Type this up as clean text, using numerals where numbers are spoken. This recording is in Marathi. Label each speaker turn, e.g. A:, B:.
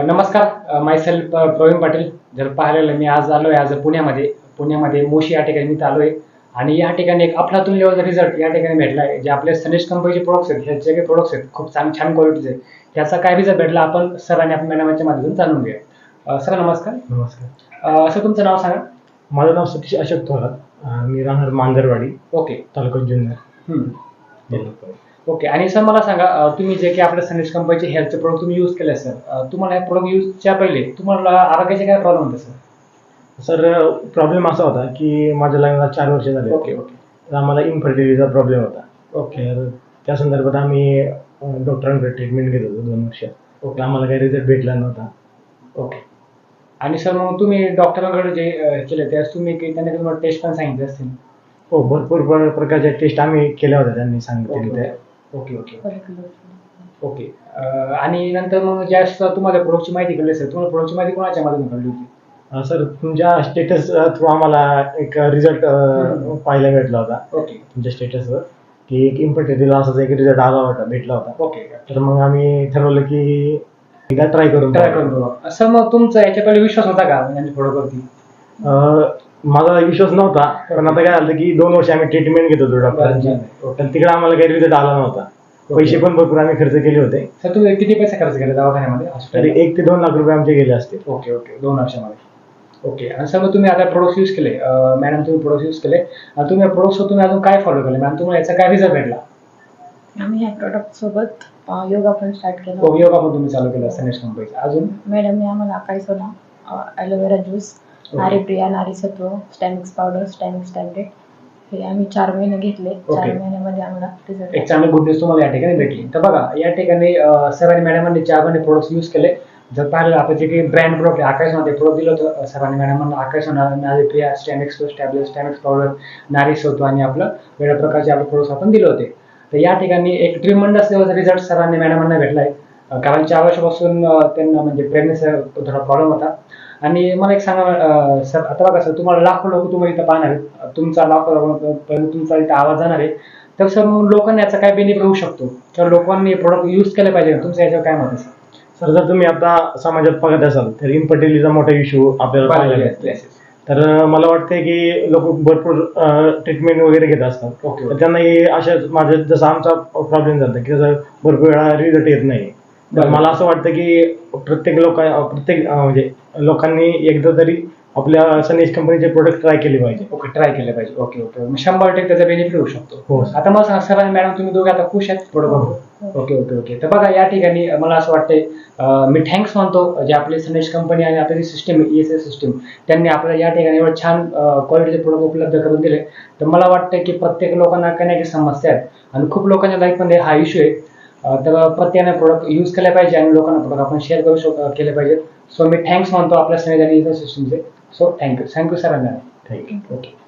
A: नमस्कार, मायसेल्फ प्रवीण पाटील. जर पाहिलेलं मी आज आलोय आज पुण्यामध्ये मोशी या ठिकाणी मी आलोय आणि या ठिकाणी एक अफलातून लेवलचा रिझल्ट या ठिकाणी भेटला आहे. जे आपले सनेज कंपनीचे प्रोडक्ट्स आहेत, ह्याचे जे काही प्रोडक्ट्स आहेत खूप छान क्वालिटीचे, याचा काय रिझल्ट भेटला आपण सरांनी आपल्या मॅडमच्या माध्यमातून जाणून घेऊया. सर नमस्कार.
B: नमस्कार.
A: सर तुमचं नाव सांगा.
B: माझं नाव सतीश अशोक थोरात. मी राहणार मांजरवाडी,
A: ओके.
B: तालुका जुन्नर.
A: ओके. आणि सर मला सांगा, तुम्ही जे काही आपल्या सनेज कंपनीचे हेल्थचे प्रोडक्ट तुम्ही यूज केले सर, तुम्हाला हे प्रोडक्ट यूजच्या पहिले तुम्हाला आरोग्याचे काय प्रॉब्लेम होते सर?
B: सर प्रॉब्लेम असा होता की माझ्या लग्नाला 4 वर्ष झाले.
A: ओके.
B: तर आम्हाला इन्फर्टिलिटीचा प्रॉब्लेम होता.
A: ओके.
B: तर त्या संदर्भात आम्ही डॉक्टरांकडे ट्रीटमेंट घेत होतो 2 वर्ष.
A: ओके.
B: आम्हाला काही रिझल्ट भेटला नव्हता.
A: ओके. आणि सर मग तुम्ही डॉक्टरांकडे जे केले त्यास तुम्ही त्यांनी तुम्हाला टेस्ट पण सांगितले असतील?
B: हो, भरपूर प्रकारच्या टेस्ट आम्ही केल्या होत्या त्यांनी सांगितले त्या.
A: ओके. ओके. आणि नंतर मग ज्यावेळेस तुम्हाला प्रोडक्टची माहिती कळली सर, तुम्हाला प्रोडक्टची माहिती कोणाच्या माध्यमातून कळली होती?
B: सर तुमच्या स्टेटस थ्रू आम्हाला एक रिझल्ट पाहायला भेटला होता.
A: ओके.
B: तुमच्या स्टेटसवर की एक इन्फर्टिलिटीला असाच एक रिझल्ट भेटला होता.
A: ओके.
B: तर मग आम्ही ठरवलं की एकदा ट्राय करून
A: बघा. सर मग तुमचा याच्या पहिले विश्वास होता का यांच्या प्रोडक्टवरती?
B: माझा विश्वास नव्हता, पण आता काय झालं की 2 वर्ष आम्ही ट्रीटमेंट घेत होतो डॉक्टरांची. तर तिकडे आम्हाला काही रिझल्ट आला नव्हता. पैसे पण भरपूर आम्ही खर्च केले होते.
A: सर तुम्ही किती पैसे खर्च केले दवाखान्यामध्ये?
B: तरी 1 ते 2 लाख रुपये आमचे गेले असते.
A: ओके. 2 वर्षामध्ये. ओके. आणि सर मग तुम्ही आता प्रोडक्ट यूज केले, मॅडम तुम्ही प्रोडक्ट यूज केले, तुम्ही प्रोडक्ट तुम्ही अजून काय फॉलो केले मॅडम? तुम्हाला याचा काय रिझल्ट भेटला?
C: आम्ही ह्या प्रोडक्ट सोबत योगा पण स्टार्ट केला.
A: योगा पण तुम्ही चालू केला सनेज कंपनीचा. अजून
C: मॅडमने आम्हाला अकाई सोना, ॲलोवेरा ज्यूस, नारी प्रिया, नारी सत्व, स्टॅमिक्स पावडर, स्टॅमिक्स टॅबलेट हे आम्ही 4 महिने घेतले. 4 महिन्यामध्ये आम्हाला रिझल्ट
A: एक चांगली गुड न्यूज तुम्हाला या ठिकाणी भेटली. तर बघा या ठिकाणी सरांनी मॅडमांनी 4 महिने प्रोडक्ट्स यूज केले. जर पाहिलं आपण जे काही ब्रँड प्रोडक्ट आकाशमध्ये प्रोडक्ट दिलं होतं सरांनी मॅडमांना, Akash Nari Priya, stamix tablet, stamix powder, Nari Satva आणि आपलं वेगळ्या प्रकारचे आपले प्रोडक्ट्स आपण दिले होते. तर या ठिकाणी एक ट्रिमंडस लेवलचा रिझल्ट सरांनी मॅडमांना भेटलाय. कारण 4 वर्षापासून त्यांना म्हणजे प्रेग्नन्सीचा थोडा प्रॉब्लेम होता. आणि मला एक सांगा सर, आता बघा सर तुम्हाला लाखो लोक तुम्हाला इथं पाहणार आहेत, तुमचा तुमचा इथं आवाज जाणार आहे. तर सर मग लोकांना याचा काय बेनिफिट होऊ शकतो? तर लोकांनी प्रोडक्ट यूज केले पाहिजे, तुमचं याच्यावर काय मत आहे सर?
B: सर जर तुम्ही आता समाजात बघत असाल तर इन्फर्टिलिटीचा मोठा इश्यू आपल्याला पाहायला मिळतो. तर मला वाटतंय की लोक भरपूर ट्रीटमेंट वगैरे घेत असतात.
A: ओके.
B: तर त्यांनाही अशा माझ्या जसा आमचा प्रॉब्लेम झाला की भरपूर वेळा रिझल्ट येत नाही. तर मला असं वाटतं की प्रत्येक म्हणजे लोकांनी एकदा तरी आपल्या सनेज कंपनीचे प्रोडक्ट ट्राय केले पाहिजे.
A: ट्राय केले पाहिजे. ओके. 100% त्याचा बेनिफिट होऊ शकतो.
B: हो.
A: आता मला सांगा सर आणि मॅडम तुम्ही दोघे आता खुश आहेत प्रोडक्ट? ओके. तर बघा या ठिकाणी मला असं वाटतंय मी थँक्स मानतो जे आपले सनेज कंपनी आणि आपली सिस्टम ESS सिस्टम त्यांनी आपल्याला या ठिकाणी एवढं छान क्वालिटीचे प्रोडक्ट उपलब्ध करून दिले. तर मला वाटतं की प्रत्येक लोकांना काही ना काही समस्या आहेत आणि खूप लोकांच्या लाईफमध्ये हा इश्यू आहे. तर प्रत्येकाने प्रोडक्ट यूज केले पाहिजे आणि लोकांना प्रोडक्ट आपण शेअर केले पाहिजेत. सो मी थँक्स मानतो आपल्या सनेज आणि ESS सिस्टमचे. So thank you sir.
B: Thank you.
A: Okay.